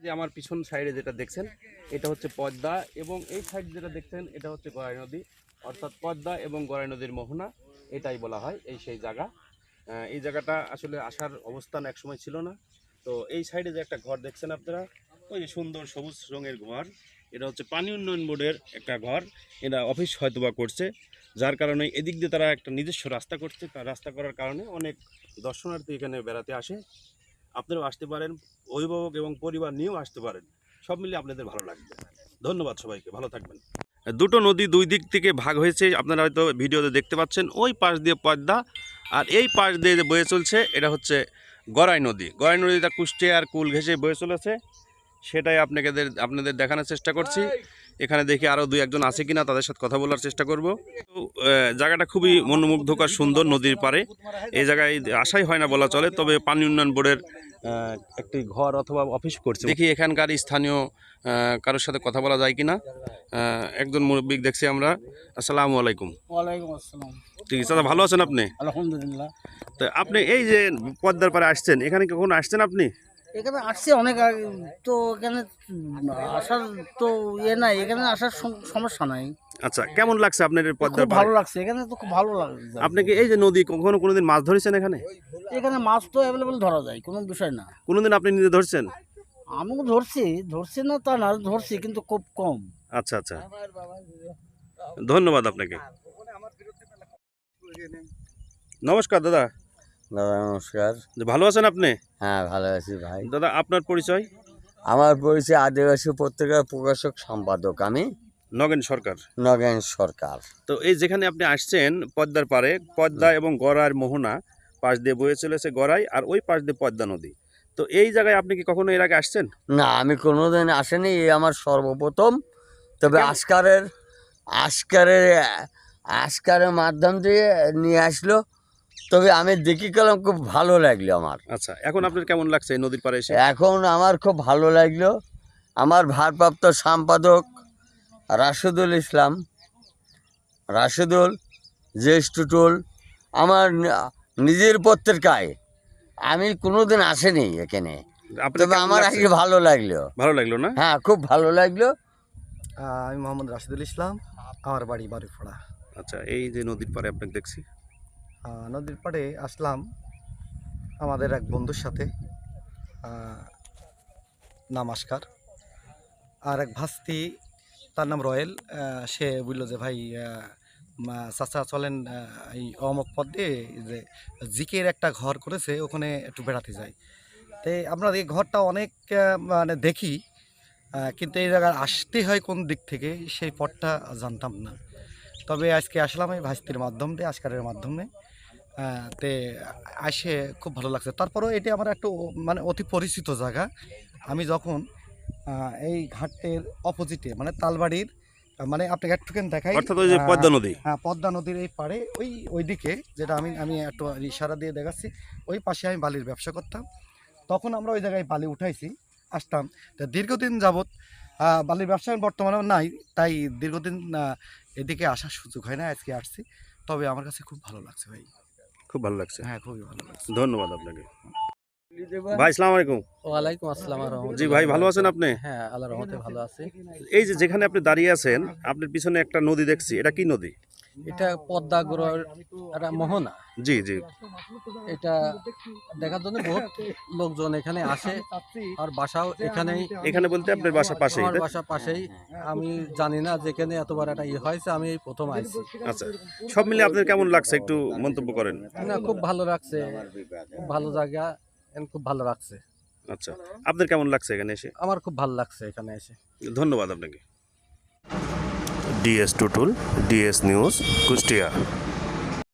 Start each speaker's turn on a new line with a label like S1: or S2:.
S1: যে আমার পিছন সাইডে যেটা দেখছেন এটা হচ্ছে পদ্মা, এবং এই সাইড যেটা দেখছেন এটা হচ্ছে গড়াই নদী, অর্থাৎ পদ্মা এবং গড়াই নদীর মোহনা, এটাই বলা হয় এই সেই জায়গা। এই জায়গাটা আসলে আসার অবস্থান একসময় ছিল না। তো এই সাইডে যে একটা ঘর দেখছেন আপনারা, ওই যে সুন্দর সবুজ রঙের ঘর, এটা হচ্ছে পানি উন্নয়ন বোর্ডের একটা ঘর। এটা অফিস হয়তোবা করছে, যার কারণে এদিক দিয়ে তারা একটা নিজস্ব রাস্তা করছে। তার রাস্তা করার কারণে অনেক দর্শনার্থী এখানে বেড়াতে আসে। আপনারাও আসতে পারেন, অভিভাবক এবং পরিবার নিয়েও আসতে পারেন, সব মিলে আপনাদের ভালো লাগবে। ধন্যবাদ সবাইকে, ভালো থাকবেন। দুটো নদী দুই দিক থেকে ভাগ হয়েছে, আপনারা হয়তো ভিডিওতে দেখতে পাচ্ছেন। ওই পাশ দিয়ে পদ্মা আর এই পাশ দিয়ে যে বয়ে চলছে এটা হচ্ছে গড়াই নদী। গড়াই নদীটা কুষ্টিয়ার কুল ঘেঁষে বয়ে চলেছে, সেটাই আপনাদের দেখানোর চেষ্টা করছি। এখানে দেখি আরও দুই একজন আছে কিনা, তাদের সাথে কথা বলার চেষ্টা করব। জায়গাটা খুবই মনোমুগ্ধকর, সুন্দর, নদীর পাড়ে। এই জায়গায় আসাই হয় না বলা চলে, তবে পানি উন্নয়ন বোর্ডের একটি ঘর অথবা অফিস করছে। দেখি এখানকার স্থানীয় কারোর সাথে কথা বলা যায় কিনা। একজন মুরব্বী দেখছি আমরা। আসসালামু আলাইকুম।
S2: ওয়ালাইকুম আসসালাম।
S1: ঠিক আছে দাদা, ভালো আছেন আপনি?
S2: আলহামদুলিল্লাহ।
S1: তো আপনি এই যে পদ্মার পাড়ে আসছেন, এখানে কখনো আসছেন আপনি?
S2: এখানে আসছে অনেক আগে, তো এখানে আসার তো নাই, এখানে আসার সমস্যা নাই।
S1: আচ্ছা, কেমন লাগছে আপনার পদ্মার
S2: খুব
S1: পাড়ে?
S2: ভালো লাগছে, এখানে তো খুব ভালো লাগছে।
S1: আপনি কি এই যে নদী কোনোদিন মাছ ধরেছেন এখানে?
S2: এখানে মাছ তো অ্যাভেলেবল ধরা যায়, কোনো বিষয় না।
S1: কোনোদিন আপনি নিজে ধরছেন?
S2: আমি ধরছি না তা না, ধরছি কিন্তু খুব কম।
S1: আচ্ছা আচ্ছা, ধন্যবাদ আপনাকে। নমস্কার দাদা।
S3: দাদা নমস্কার।
S1: ভালো আছেন আপনি?
S3: হ্যাঁ ভালো আছি ভাই।
S1: দাদা আপনার পরিচয়?
S3: আমার পরিচয় আদিবাসী পত্রিকার প্রকাশক সম্পাদক আমি,
S1: নগেন সরকার।
S3: নগেন সরকার।
S1: তো এই যেখানে আপনি আসছেন পদ্মার পাড়ে, পদ্মা এবং গড়াইয়ের মোহনা পাশ দিয়ে বয়ে চলেছে গড়াই, আর ওই পাশ দিয়ে পদ্মা নদী। তো এই জায়গায় আপনি কি কখনো এর আগে আসছেন?
S3: না, আমি কোনোদিন আসিনি, এই আমার সর্বপ্রথম। তবে আজকারের মাধ্যম দিয়ে নিয়ে আসলো, তবে আমি দেখি গেলাম, খুব ভালো লাগলো আমার।
S1: আচ্ছা, এখন আপনার কেমন লাগছে এই নদীর পাড়ে এসে?
S3: এখন আমার খুব ভালো লাগলো। আমার ভারপ্রাপ্ত সম্পাদক রাশেদুল জ্যেষ্ঠটুল আমার নিজের পত্রিকায়, আমি কোনোদিন আসেনি এখানে, তবে আমার আজকে ভালো লাগলো।
S1: ভালো লাগলো না?
S3: হ্যাঁ, খুব ভালো লাগলো।
S4: আমি মোহাম্মদ রাশিদুল ইসলাম, আমার বাড়ি বাড়িফোড়া।
S1: আচ্ছা, এই যে নদীর পাড়ে আপনাকে দেখছি,
S4: নদীর পাড়ে আসলাম আমাদের এক বন্ধুর সাথে, নাম আসকার, আর এক ভাস্তি, তার নাম রয়েল। সে বলল যে ভাই চাচা চলেন এই অমক পথ দিয়ে যে জিকের একটা ঘর করেছে, ওখানে একটু বেড়াতে যাই। তো আমরা এই ঘরটা অনেক মানে দেখি, কিন্তু এই জায়গায় আসতে হয় কোন দিক থেকে সেই পথটা জানতাম না। তবে আজকে আসলাম এই ভাস্তির মাধ্যমে, আসকারের মাধ্যমে। তে আসে খুব ভালো লাগছে। তারপরেও এটি আমার একটু মানে অতি পরিচিত জায়গা। আমি যখন এই ঘাটের অপোজিটে মানে তালবাড়ির, মানে আপনাকে একটুখানি দেখাই,
S1: অর্থাৎ ওই যে পদ্মা নদী।
S4: হ্যাঁ, পদ্মা নদীর এই পাড়ে ওই দিকে, যেটা আমি একটু ইশারা দিয়ে দেখাচ্ছি, ওই পাশে আমি বালির ব্যবসা করতাম। তখন আমরা ওই জায়গায় বালি উঠাইছি, আসতাম। তা দীর্ঘদিন যাবৎ বালির ব্যবসা বর্তমানে নাই, তাই দীর্ঘদিন এদিকে আসার সুযোগ হয় না। আজকে আসছি, তবে আমার কাছে খুব ভালো লাগছে ভাই।
S1: খুব ভালো লাগছে।
S4: হ্যাঁ, খুবই ভালো লাগছে।
S1: ধন্যবাদ আপনাকে। ভাই আসসালামু আলাইকুম।
S2: ওয়ালাইকুম আসসালাম।
S1: জি ভাই, ভালো আছেন আপনি?
S2: হ্যাঁ, আল্লাহর রহমতে ভালো আছি।
S1: এই যে যেখানে আপনি দাঁড়িয়ে আছেন, আপনার পিছনে একটা নদী দেখছি, এটা কি নদী?
S2: এটা পদ্মা গড়াইয়ের একটা মোহনা।
S1: জি জি।
S2: এটা দেখার জন্য বহুত লোকজন এখানে আসে, আর বাসাও এখানেই।
S1: এখানে বলতে আপনার বাসা পাশেই?
S2: আমার বাসা পাশেই। আমি জানি না যেখানে এতবার একটা হয়েছে, আমি এই প্রথম আইছি।
S1: আচ্ছা, সব মিলে আপনার কেমন লাগছে একটু মন্তব্য করেন।
S2: না, খুব ভালো লাগছে, খুব ভালো জায়গা, খুব ভালো লাগছে।
S1: আচ্ছা, আপনার কেমন লাগছে এখানে এসে?
S2: আমার খুব ভালো লাগছে এখানে এসে।
S1: ধন্যবাদ আপনাকে। DS Tutul, DS news, Kushtia.